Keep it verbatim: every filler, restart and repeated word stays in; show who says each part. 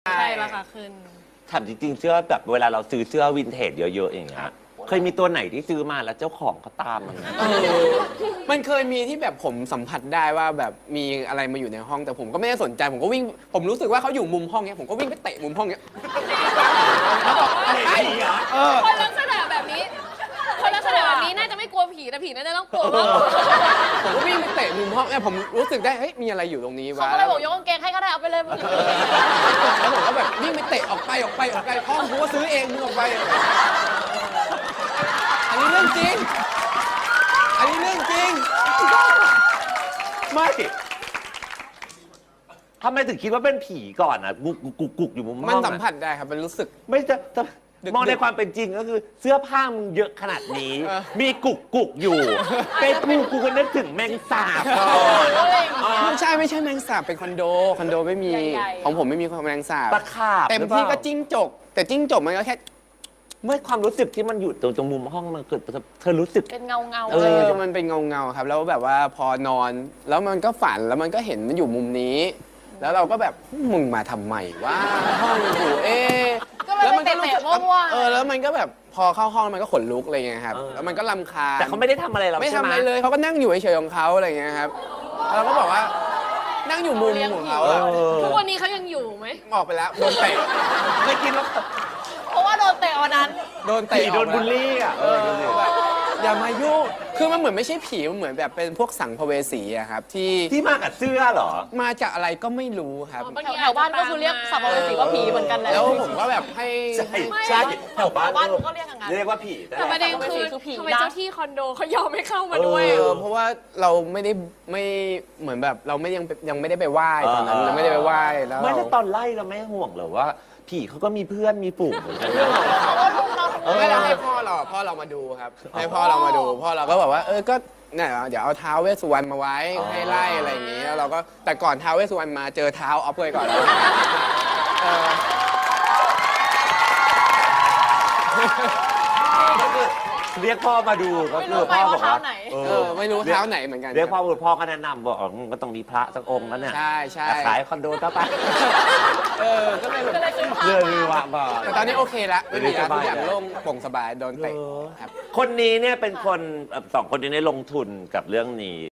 Speaker 1: ใช่ราคาขึ้น
Speaker 2: ถามจริงๆเสื้อแบบเวลาเราซื้อเสื้อวินเทจเยอะๆอย่างเงี้ยเคยมีตัวไหนที่ซื้อมาแล้วเจ้าของเขาตามมันเออ
Speaker 3: มันเคยมีที่แบบผมสัมผัสได้ว่าแบบมีอะไรมาอยู่ในห้องแต่ผมก็ไม่ได้สนใจผมก็วิ่งผมรู้สึกว่าเขาอยู่มุมห้องเนี้ยผมก็วิ่งไปเตะมุมห้องเนี้ยแล้วบอกไอ้เออ
Speaker 1: คนลักษณะแบบนี้คนลักษณะแบบนี้น่าจะไม่กลัวผีแต่ผีน่าจะต้องกลัวว่า
Speaker 3: ผมก็วิ่งไปเตะมุมห้องเนี่ยผมรู้สึกได้เฮ้ยมีอะไรอยู่ตรงนี้วะ
Speaker 1: เขาก็เลยบอกยกกางเกงให้ก็ได้เอาไปเลย
Speaker 3: แล้วผมก็แบบวิ่งไปเตะออกไปออกไปออกไปห้องกูก็ซื้อเองมึงออกไปอันนี้เรื่องจริงอันนี้เรื่องจริง
Speaker 2: ไม่ทำไมถึงคิดว่าเป็นผีก่อนอ่ะกุกกุกกุกอยู่มุมห้อง
Speaker 3: มันสัมผัสได้ครับมันรู้สึก
Speaker 2: ไม่จะมองในความเป็นจริงก็คือเสื้อผ้ามึงเยอะขนาดนี้มีกุกกุกอยู่เป็นกูกูก็นึกถึงแมงสาบก่อน
Speaker 3: ไม่ใช่ไม่ใช่แมงสาบเป็นคอนโดคอนโดไม่มีของผมไม่มีแมงสาบ
Speaker 2: ตะขาบ
Speaker 3: เต็มที่ก็จิ้งจกแต่จิ้งจกมันก็แค่
Speaker 2: เมื่อความรู้สึกที่มันอยู่ตรงตรงมุมห้องมันเกิดเธอรู้สึก
Speaker 1: เป็นเงาเงา
Speaker 3: เออมันเป็นเงาเงาครับแล้วแบบว่าพอนอนแล้วมันก็ฝันแล้วมันก็เห็นมันอยู่มุมนี้แล้วเราก็แบบมึงมาทำไมวะห้องอยู่เอ๊
Speaker 1: แล้วมันก็รู้สึก
Speaker 3: เออแล้วมันก็แบบพอเข้าห้องมันก็ขนลุกอะไรเงี้ยครับแล้วมันก็รำคาญ
Speaker 2: แต่เขาไม่ได้ทำอะไรเรา
Speaker 3: ไม่ทำอะไรเลยเขาก็นั่งอยู่เฉยๆของเขาอะไรเงี้ยครับเราก็บอกว่านั่งอยู่มุมของเขา
Speaker 1: ทุกวันนี้เขายังอยู่ไหม
Speaker 3: ออกไปแล้วโดนเตะ
Speaker 2: เคยกินแล้ว
Speaker 1: เพราะว่าโดนเตะวันนั้น
Speaker 3: โดนเตะ
Speaker 2: โดนบูลลี่อ่ะ
Speaker 3: อย่ามายุ่งคือมันเหมือนไม่ใช่ผีมันเหมือนแบบเป็นพวกสังภเวสีอะครับที่
Speaker 2: ที่มากับเสื้อเหรอ
Speaker 3: มาจากอะไรก็ไม่รู้ครับ
Speaker 1: แถวบ้านก็คือเรียกสัมภเวสีว่าผีเหมือนกัน
Speaker 3: แล้วผมก็แบบให้
Speaker 2: ใช่ใช่แถวบ้าน
Speaker 1: ก็เรียกอย่างนั้น
Speaker 2: เรียกว่าผี
Speaker 1: แต่ประเด็นคือทำไมเจ้าที่คอนโดเขายอมไม่เข้ามาด้วย
Speaker 3: เพราะว่าเราไม่ได้ไม่เหมือนแบบเราไม่ยังยังไม่ได้ไปไหว้ตอนนั้นเราไม่ได้ไปไหว้แล้ว
Speaker 2: ไม่แล้วตอนไล่เราไม่ห่วงเหรอว่าผีเขาก็มีเพื่อนมีฝูงเหมือนกัน
Speaker 3: ไม่ได้ให้พ่อเราพ่อเรามาดูครับให้พ่อเรามาดูพ่อเราก็บอกว่าเออก็เนี่ยเดี๋ยวเอาท้าวเวสสุวรรณมาไว้ให้ไล่อะไรอย่างงี้แล้วเราก็แต่ก่อนท้าวเวสสุวรรณมาเจอเท้าออฟเลยก่อน
Speaker 2: เรียกพ่อมาดูก็คือพ่อบอกว่า
Speaker 3: เออไม่รู้เท้าไหนเหมือนกัน
Speaker 2: เรียกพ่อพ่อก็แนะนำบอกก็ต้องมีพระสักองค์แล้วเนี่ย
Speaker 3: ใช่ใช่
Speaker 2: ขายคอนโดก็ไป
Speaker 3: เออก็เลยแบบ
Speaker 2: เรื่องนี้ว่าบอก
Speaker 3: แต่ตอนนี้โอเคละไม่มีแล้วทุกอย่างโล่งโปร่งสบายโดนเตะ
Speaker 2: คนนี้เนี่ยเป็นคนสองคนนี้ได้ลงทุนกับเรื่องนี้